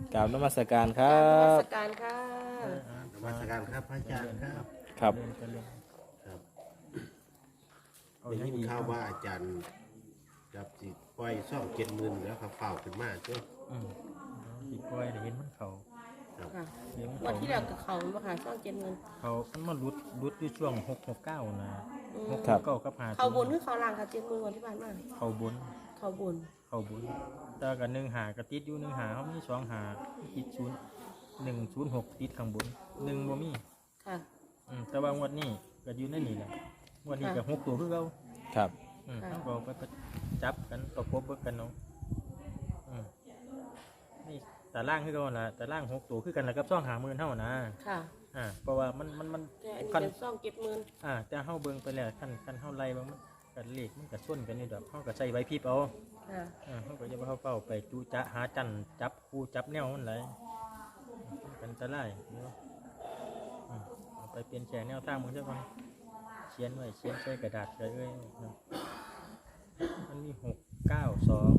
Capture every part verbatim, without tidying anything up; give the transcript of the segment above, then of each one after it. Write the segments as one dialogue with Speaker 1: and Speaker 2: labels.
Speaker 1: กราบนมัสการครั
Speaker 2: นมั
Speaker 1: บ
Speaker 2: สการค่ะ
Speaker 3: นมัสการครับพระอาจารย์ครับ
Speaker 1: ครับ
Speaker 3: ครับได้ยินข่าวว่าอาจารย์จับสิปล่อยซ่องเจ็ดหมื่นแล้วครับเฝ้าขึ้นมาเจ้า
Speaker 4: อืมอีกปล่อยได้เห็นมันเขา
Speaker 3: ครับ
Speaker 2: ค่ะ
Speaker 4: เห็นมัน
Speaker 2: วัน
Speaker 4: เขา
Speaker 2: ที่แล้วกับเขามาค่ะช่องเจ็ดเงิน
Speaker 4: เขามันมาลุดลุดอยู่ช่วงหกหกเก้านะ
Speaker 2: อืม
Speaker 4: หก
Speaker 1: ครับ
Speaker 4: เก้ากับหา
Speaker 2: เขาบนหรือเขาล่างค่ะเจ็ดเงินวันที่ผ่านมา
Speaker 4: เขาบน
Speaker 2: เขาบน
Speaker 4: เขาบนแต่กับหนึ่งหากระติดอยู่หนึ่งหาเขามีสองหาติดศูนย์หนึ่งศูนย์หกติดข้างบนหนึ่งบ่มี
Speaker 2: ค่ะ
Speaker 4: อืมแต่ว่างวดนี้ก็อยู่ในนี่แหละงวดนี้ก็หกตัวคือเขา
Speaker 1: ครับ
Speaker 4: อืม
Speaker 2: ค่ะ
Speaker 4: ต้องก็ไปจับกันประกบเบิกกันเนาะอืมนี่แต่ล่างคือกันละแต่ล่างหกตัวคือกันแล้วกับซ่องหาหมื่นเท่านะ
Speaker 2: ค่ะ
Speaker 4: อ่าเพราะว่ามันมันมัน
Speaker 2: แต่อันนี้
Speaker 4: คัน
Speaker 2: เป็นช่องเจ็ดเงิน
Speaker 4: อ่าแต่เฮาเบิ่งไปแล้วคันคันเฮาไล่เบิ่งมันกันเลขมันก็ส่วนกันอยู่ดอกเฮาก็ใส่ไว้พริบเอา
Speaker 2: ค่ะ
Speaker 4: อ่าเฮาก็อย่าไปเฮาเป้าไปจูจะหาจันจับคู่จับแนวมันไหลายมันกันตะไลเนาะอืมเอาไปเปลี่ยนแปลงแนวทางมึงซะก่อนเขียนไว้เขียนใส่กระดาษเลยเอ้ยเนาะมันมีหกเก้าสอง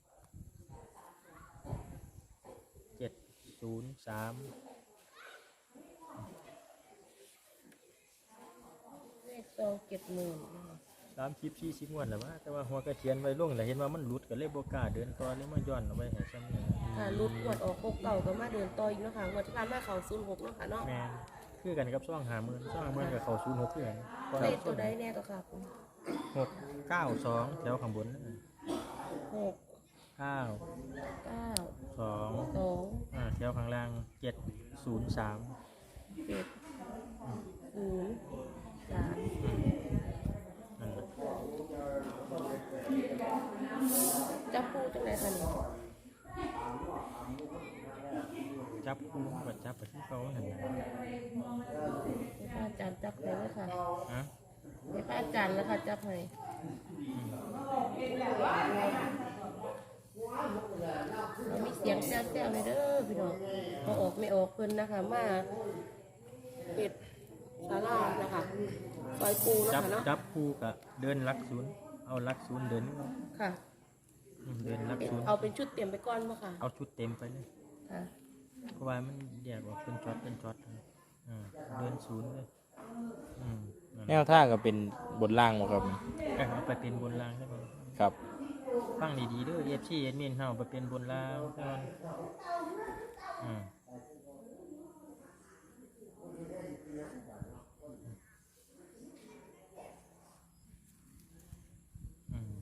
Speaker 4: เจ็ดศูนย์สาม
Speaker 2: เลขช่องเจ็ดเงินนะคะ
Speaker 4: สามสิบสี่สิบงวดแล้วว่าแต่ว่าหัวกระเทียนไว้ลงแล้วเห็นว่ามันหลุดก็เลยบ่กล้าเดินต่อเลยมาย้อนเอาไว้ให้ซ้ำเนี่ย
Speaker 2: ค่ะรุดงวดออกหกเก่าก็มาเดินต่ออีกเนาะค่ะงวดที่ผ่านมาเขาศูนย์หกเนาะค่ะเนาะ
Speaker 4: แม่นคือกันกับซ่องหาหมื่นซ่องหาหมื่นกับเขาศูนย์หกคือกัน
Speaker 2: เลขตัวใดแน่ก็ค่ะ
Speaker 4: หกเก้าสองแถวข้างบนนั่นน่ะ
Speaker 2: หก
Speaker 4: เก้า
Speaker 2: เก้า
Speaker 4: สอง
Speaker 2: สอง
Speaker 4: อ่าแถวข้างล่างเจ็ดศูนย์สาม
Speaker 2: เจ็ดศูนย์สาม
Speaker 4: นั่นแหละ
Speaker 2: จับคู่จังไหนคะเนี่ย
Speaker 4: จับคู่กับจับไปที่เขาเห็นไหม
Speaker 2: ให้พระอาจารย์จับให้เลยค่ะ
Speaker 4: อ่ะ
Speaker 2: ให้พระอาจารย์แล้วค่ะจับให้เรามีเสียงแซวๆเลยเด้อพี่น้องพอออกไม่ออกเพิ่นนะคะ มาเห็ดศาลานะคะซอยปูนะ
Speaker 4: จับ
Speaker 2: คะเนาะ
Speaker 4: จับคู่กับเดินลักศูนย์เอาลักศูนย์เดิน
Speaker 2: ค่ะ
Speaker 4: อืมเดินลัก
Speaker 2: เป็น
Speaker 4: ศูนย์
Speaker 2: เอาเป็นชุดเตรียมไปก่อนป่ะค่ะ
Speaker 4: เอาชุดเต็มไปเลย
Speaker 2: ค่ะ
Speaker 4: เพราะว่ามันแยกออกเป็นช็อตเป็นช็อตอ่าเดินศูนย์เลยอืมนั่น
Speaker 1: แนวทางก็เป็นบนล่างบ่ครับ
Speaker 4: เอ้ยเอาไปเป็นบนรางได้ไหม
Speaker 1: ครับ
Speaker 4: ฟังดีๆเด้อเอฟซีเอ็ดมินเฮาไปเป็นบนรางก่อนอืมอืม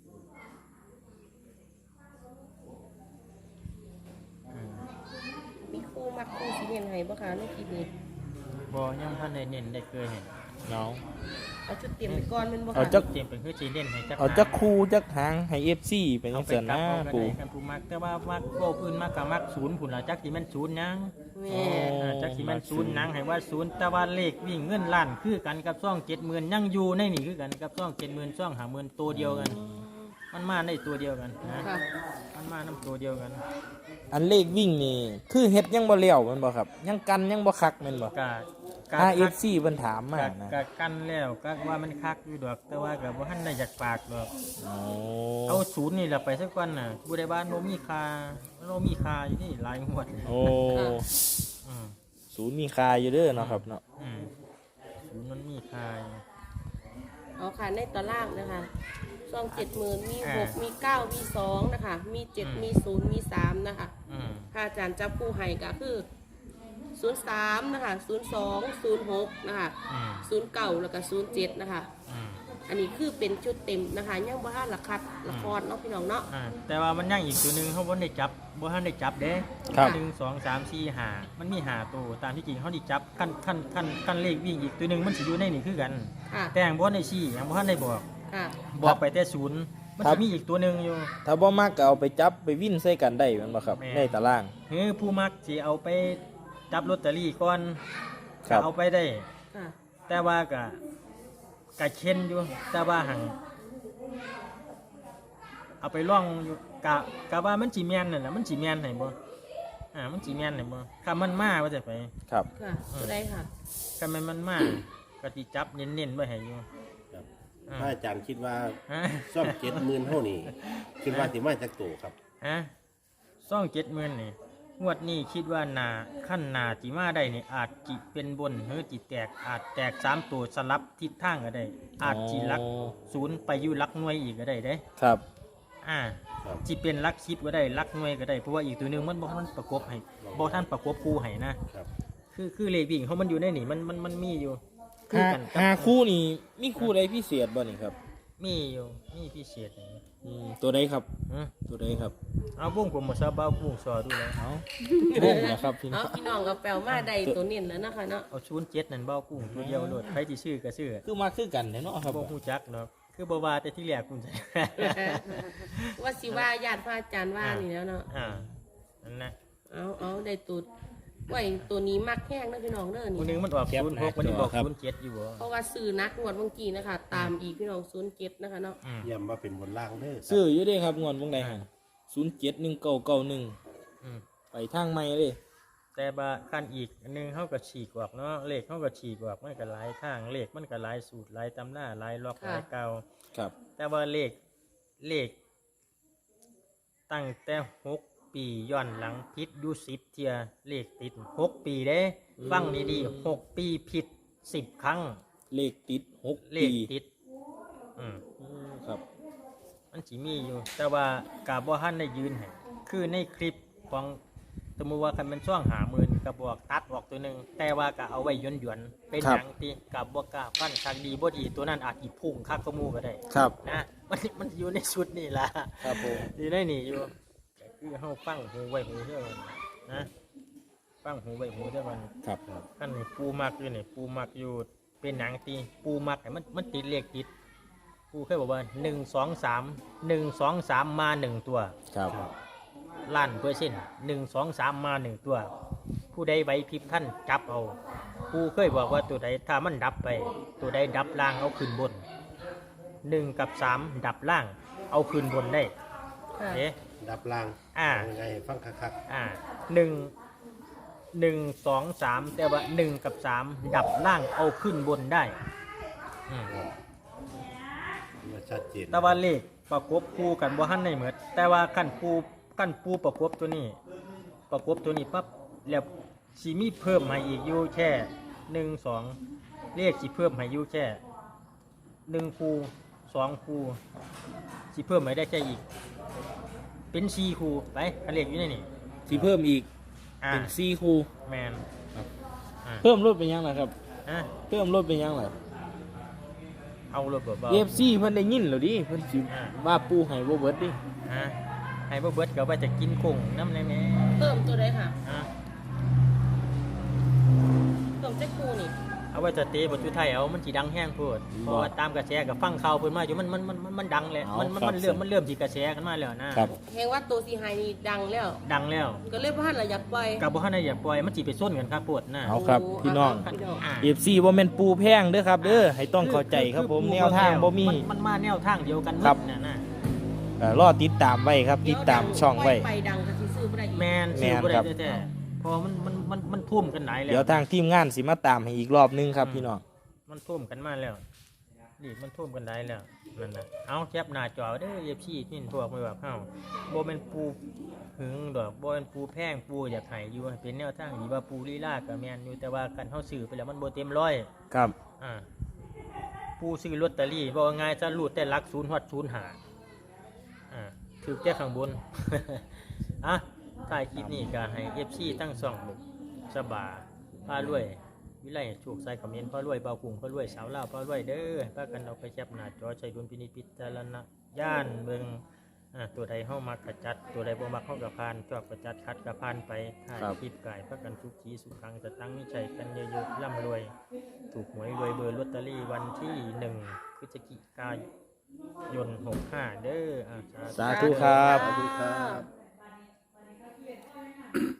Speaker 4: อืม
Speaker 2: มีครูมักครูสีเนียนให้ป่ะคะในคลิปนี้
Speaker 4: บ่ยังท่านได้เน้นได้เคยเห็น
Speaker 1: น้อง
Speaker 2: เอาชุดเตรียมไปก่อนแมันป่ะ
Speaker 1: เอา
Speaker 2: คะ
Speaker 1: จัก
Speaker 4: เตรียมเป็นคือจีเน้นให้จัก
Speaker 1: เอาจักคู่จักหางให้ เอฟ ซี เป็นจั
Speaker 4: เอา
Speaker 1: ง
Speaker 4: ไป
Speaker 1: ซั่น
Speaker 4: กลับ
Speaker 1: นะ
Speaker 4: เอาก็
Speaker 1: ปู่
Speaker 4: ได้กันผู้มักแต่ว่ามักโก้พื้นมักกับมักศูนย์ผุนละจักสิแม่นศูนย์หยัง
Speaker 2: แม่
Speaker 4: อ่าจักสิแม่นศูนย์หนังให้ว่าศูนย์แต่ว่าเลขวิ่งเงินล้านคือกันกับซ่องเจ็ดหมื่นยังอยู่ในนี่คือกันกับซ่องเจ็ดหมื่นซ่องหาหมื่นตัวเดียวกัน มันมาได้ตัวเดียวกันนะ
Speaker 2: ค่ะ
Speaker 4: มันมาน้ำตัวเดียวกัน
Speaker 1: อันเลขวิ่งนี่คือเฮ็ดยังบ่เลี้ยวแมันบ่ครับ ยังกันยังบ่คักแม่นบ่
Speaker 4: กะกะ
Speaker 1: ถ้า
Speaker 4: คั
Speaker 1: เอก ฟซีเพิ่นถามมาก
Speaker 4: ะ
Speaker 1: นะ
Speaker 4: กะกันแล้วก็ว่ามันคักอยู่ดอก แต่ว่าก็บ่ทันได้อยากปากดอก
Speaker 1: โอ้
Speaker 4: เอาศูนย์นี่แหละไปสักวันน่ะผู้ใดบ้านโนมีคาโนมีคาอยู่นี่หลายงวด
Speaker 1: โอ้
Speaker 4: อืม
Speaker 1: ศูนย์มีค่าอยู่เด้อเนาะครับเนาะ
Speaker 4: อืมศูนย์มันมีคาอยู่
Speaker 2: เอาค่ะในตารางนะคะซองเจ็ดหมื่นมี
Speaker 4: อ่า
Speaker 2: หกมีเก้ามีสองนะคะ มีเจ็ด
Speaker 4: อืม
Speaker 2: มีศูนย์มีสามนะคะ
Speaker 4: อืม
Speaker 2: พระอาจารย์จับคู่ให้ก็คือศูนย์สามนะคะศูนย์สองศูนย์หกนะคะ
Speaker 4: อืม
Speaker 2: ศูนย์เก้าแล้วก็ศูนย์เจ็ดนะคะ
Speaker 4: อืม
Speaker 2: อันนี้คือเป็นชุดเต็มนะคะยังบ่ทันละคัดละครเนาะพี่น้องเนาะ
Speaker 4: อ่าแต่ว่ามันยังอีกตัวหนึ่งเขาบ่ได้จับบ่ทันได้จับเด้
Speaker 1: ครับ
Speaker 4: หนึ่งสองสามสี่ห้ามันมีห้าตัวตามที่จริงเขาได้จับขั้นขั้นขั้นขั้นเลขวิ่งอีกตัวหนึ่งมันสิอยู่ในนี่คือกัน
Speaker 2: ค่ะ
Speaker 4: แต่ยังบ่ทันได้ชี้ยังบ่ทันได้บอก
Speaker 2: ค่ะ
Speaker 4: บอกไปแต่ศูนย์มันจะมีอีกตัวหนึ่งอยู่
Speaker 1: ถ้าบ่มักก็เอาไปจับไปวิ่นใส่กันได้แม่นบ่ครับ
Speaker 4: แม่น
Speaker 1: ในตาราง
Speaker 4: เฮ้ยผู้มักสิเอาไปจับลอตเตอรี่ก่อน
Speaker 1: ครั
Speaker 4: ก็
Speaker 1: บ
Speaker 4: เอาไปได้
Speaker 2: ค่ะ
Speaker 4: แต่ว่าก็ก็เช่นอยู่แต่ว่าหังเอาไปล่องอยู่กะกะว่ามันสิแม่นนั่นแหละมันสิแม่นให้บ่อ่ามันสิแม่นให้บ่ถ้ามันมาว่าจะไป
Speaker 1: ครับ
Speaker 2: ค่ะตัวใดค่ะ
Speaker 4: ถ้ามันมันมาก็สิจับเน้นๆไว้ให้อยู่
Speaker 3: ครับ
Speaker 4: อ่า
Speaker 3: พระอาจารย์คิดว่า
Speaker 4: ฮะ
Speaker 3: ซ่องเจ็ดหมื่นเท่านี้คิดว่าสิมาจากตัวครับ
Speaker 4: ฮะซ่องเจ็ดหมื่นนี่งวดนี้คิดว่านาขั้นนาจิมาได้นี่อาจจิเป็นบนหรือจิแตกอาจแตกสามตัวสลับทิศทางก็ได้ อาจจิลักศูนย์ไปอยู่ลักหน่วยอีกก็ได้เด้
Speaker 1: ครับ
Speaker 4: อ่า
Speaker 3: ครับ
Speaker 4: จิเป็นลักสิบก็ได้ลักหน่วยก็ได้เพราะว่าอีกตัวหนึงมันบ่ทันประกบให้บ่ทันประกบคู่ให้นะครับ คือคือเลขวิ่งเขามันอยู่ในนี่มันมันมันมีอยู่คือ
Speaker 1: หา
Speaker 4: กันกับ
Speaker 1: หาคู่นี่มีคู่ใดพิเศษบ่นี่ครับ
Speaker 4: มีอยู่มีพิเศษนี่
Speaker 1: อืมตัวใดครับ
Speaker 4: อือ
Speaker 1: ตัวใดครับ
Speaker 4: เอาวงผมมาซะบ้าบุ้งซอดูเลย
Speaker 1: เอาวงนะครับพี่น้
Speaker 2: เอา
Speaker 1: อง
Speaker 2: พี่น้องกับแปลมาได้ตัวนี้แล้วนะคะเนาะ
Speaker 4: เอาศูนย์เจ็ดนั่นเบ้ากุ้งตัวเดียวโลดใครที่ชื่อก็ชื่อ
Speaker 1: คือมาคือกันเนาะครับ
Speaker 4: บ่ฮู้จักเนาะคือบ่ว่าแต่ที่แรกคุณใส่
Speaker 2: ว่าสิว่าญาติพระอาจารย์ว่านี่แล้วเนาะ
Speaker 4: อ่านั่นนะ
Speaker 2: เอาเอาได้ตัวไว้ตัวนี้มักแห้งนะพี่น้องเด้อ
Speaker 4: คนหนึ
Speaker 2: นี่
Speaker 4: งมันออกศูนย์หกมันนี่บอกศูนย์เจ็ดอยู่บ่
Speaker 2: เพราะว่าซื้อนักงวดเมื่อกี้นะคะ ตามอีกพี่น้องศูนย์เจ็ดนะคะเนาะ
Speaker 4: อืม
Speaker 3: ย้ำว่าเป็นบนล่างเด้อครับ
Speaker 1: ซื้ออยู่เด้ครับงวดวงใดหั่นศูนย์เจ็ดหนึ่งเก้าเก้าหนึ่ง
Speaker 4: อืม
Speaker 1: ไปทางใหม่เลย
Speaker 4: แต่บาขั้นอีกอันหนึงเฮาก็ฉีกออกเนาะเลขเฮาก็ฉีกออกมันก็หลายทางเลขมันก็หลายสูตรหลายตำหน้าหลายล็อกหลายเก่า
Speaker 1: ครับ
Speaker 4: แต่ว่าเลขเลขตั้งแต่หกปีย้อนหลังผิดอยู่สิบเทียเลขติดหกปีเด้ฟังดีๆหกปีผิดสิบครั้ง
Speaker 1: เลขติดหก
Speaker 4: เล
Speaker 1: ปี
Speaker 4: ขติดอืม
Speaker 1: อืมครับ
Speaker 4: มันสิมีอยู่ แต่ว่ากาบ่ทันได้ยืนให้คือในคลิปของสมมุติว่าคันเป็นช่วงหาหมื่นก็บอกตัดออกตัวหนึงแต่ว่าก็เอาไว้หยวนๆเป็นหยังติกับบ่กล้าฟันคักดีบ่ดีตัวนั้นอาจสิพุ่งคักกว่าหมู่ก็ได้
Speaker 1: ครับ
Speaker 4: นะมันมันอยู่ในชุดนี่ล่ะ
Speaker 1: ครับผม
Speaker 4: อยู่ในนี่อยู่ก็คือเฮาฟังหูไว้หูเด้อมันนะฟังหูไว้หูเด้อมัน
Speaker 1: ครับ
Speaker 4: คันนี่ปูมักอยู่นี่ปูมักอยู่เป็นหนังตีปูมักให้มันมันติดเลขติดปูเคยบอกว่าหนึ่ง สอง สาม หนึ่ง สอง สามมาหนึ่งตัว
Speaker 1: ครับ
Speaker 4: ล้านเปอร์เซ็นต์หนึ่ง สอง สามมาหนึ่งตัว ผู้ใดไหวพริบท่านจับเอาปูเคยบอกว่าตัวใดถ้ามันดับไป ตัวใดดับล่างเอาขึ้นบนหนึ่งกับสามดับล่างเอาขึ้นบนได้
Speaker 2: ค่ะ
Speaker 4: เอ๊ะ
Speaker 3: ดับล่าง
Speaker 4: อ่า
Speaker 3: เยังไงฟังคัก
Speaker 4: อ่าหนึ่งหนึ่งสองสามแต่ว่าหนึ่งกับสามดับล่างเอาขึ้นบนได้อืม
Speaker 3: ๆครับมาชัดเจน
Speaker 4: แต่ว่าเลขประกบคู่กันบ่ทันได้เหมือนแต่ว่าขั้นปูขั้นปูประกบตัวนี้ ประกบตัวนี้ปั๊บแล้วสิมีเพิ่มให้อีกอยู่แค่หนึ่งสองเลขสิเพิ่มให้อยู่แค่หนึ่งคูสองคูสิเพิ่มให้ได้แค่อีก เป็นสี่คูไปคันเลขอยู่ในนี่
Speaker 1: สิเพิ่มอีก
Speaker 4: อ่า
Speaker 1: เป็นสี่คู่
Speaker 4: แมน
Speaker 1: ครับ
Speaker 4: อ่า
Speaker 1: เพิ่มรถเป็นยังไงครับ
Speaker 4: อ่ะ
Speaker 1: เพิ่มรถเป็นยังไง
Speaker 4: เอารถเบา
Speaker 1: เอฟซีเพิ่นได้ยินแล้วดิเพิ่นสิ
Speaker 4: อ่า
Speaker 1: ว่าปูให้บ่เบิดดิ
Speaker 4: ๆฮะให้บ่เบิดก็ว่าจะกินกุ้งน้ำในแม่
Speaker 2: เพิ่มตัวใดค่ะ
Speaker 4: อ่ะ
Speaker 2: เพิ่มเจ๊กูนี่
Speaker 4: เอาไว้จะเตะบทจุไทยเอามันสิดังแห้งโพูดเพราะว่าตามกระแสกับฟังข่าวเพิ่นมาอยู่มันมันมันมันมันดังแล้วมันมันมันเริ่มมันเริ่มสิกระแสกันมาแล้วนะครับ
Speaker 2: แหงว่าตัวสีไฮนี่ดังแล้ว
Speaker 4: ดังแล้ว
Speaker 2: ก็เลยพ่านเราอยากปล่อย
Speaker 4: กับบ่ทันได้อย่าปล่อยมันสิไปส้นกันครับโพดนะ
Speaker 1: เอาครับ
Speaker 2: โอ้
Speaker 1: พี่น้อง
Speaker 2: พี่น้อง
Speaker 4: อ่า
Speaker 1: เอฟซีบ่แม่นปูแพงเด้อครับเด้อให้ต้องเข้าใจครับผมแนวทางบ่มี
Speaker 4: นมันมาแนวทางเดียวกันหม
Speaker 1: ครับ
Speaker 4: ดน่ะนะ
Speaker 1: เอ่อรอติดตามไว้ครับ ติดตามช่องไว้
Speaker 2: ไปดังก็สิซื้อบ่ได้อีก
Speaker 4: แม่น
Speaker 1: แม่
Speaker 4: ซื้อน บ่ได้
Speaker 1: ครับ
Speaker 4: แท้ๆเพอมันมันมันมันทุ่มกันหลายแล้
Speaker 1: เดี๋ยว วทางทีมงานสิมาตามให้อีกรอบนึงครับพี่น้อง
Speaker 4: มันท่วมกันมาแล้วนี่มันท่วมกันได้แล้วนั่นน่ะเอาแคปหน้าจอเด้อเอฟซีที่พวกไม่ว่าเฮาบ่แม่นปูหึงดอกบ่แม่นปูแพงปูอยากให้อยู่ให้เป็นแนวทางดีว่าปูลีลาก็แม่นอยู่แต่ว่าคันเฮาซื้อไปแล้วมันบ่เต็มร้อย
Speaker 1: ครับ
Speaker 4: อ่าปูซื้อลอตเตอรี่บ่ว่าง่ายจะรูดแต่หลักศูนย์ฮอดศูนย์หาอ่าถือแค่ข้างบน อ่ะท้ายคลิปนี้ก็ให้ เอฟ ซี ทั้งสองบุกสบาพารวยวิไลโชคใส่คอมเมนต์พ่อรวยเบากุ้งพ่อรวยสาวลาวพ่อรวยเด้อพากันเอาไปแคปหน้าจอใช้ดุลพินิจพิจารณญาณเบิ่งอ่าตัวใดเฮามักกระจัด ตัวใดบ่มักเฮาก็ผ่านชอบกระจัดคัดก็ผ่านไปถ่าย
Speaker 1: ครับ
Speaker 4: คลิปกายพากันทุกทีสุขครั้งจะตั้งมิชัยกันเยอะๆร่ำรวย ถูกหวยรวยเบอร์ลอตเตอรี่วันที่หนึ่งพฤศจิกายนหกห้าเด้ออ่า
Speaker 1: สาธุครับ
Speaker 2: สาธุครับ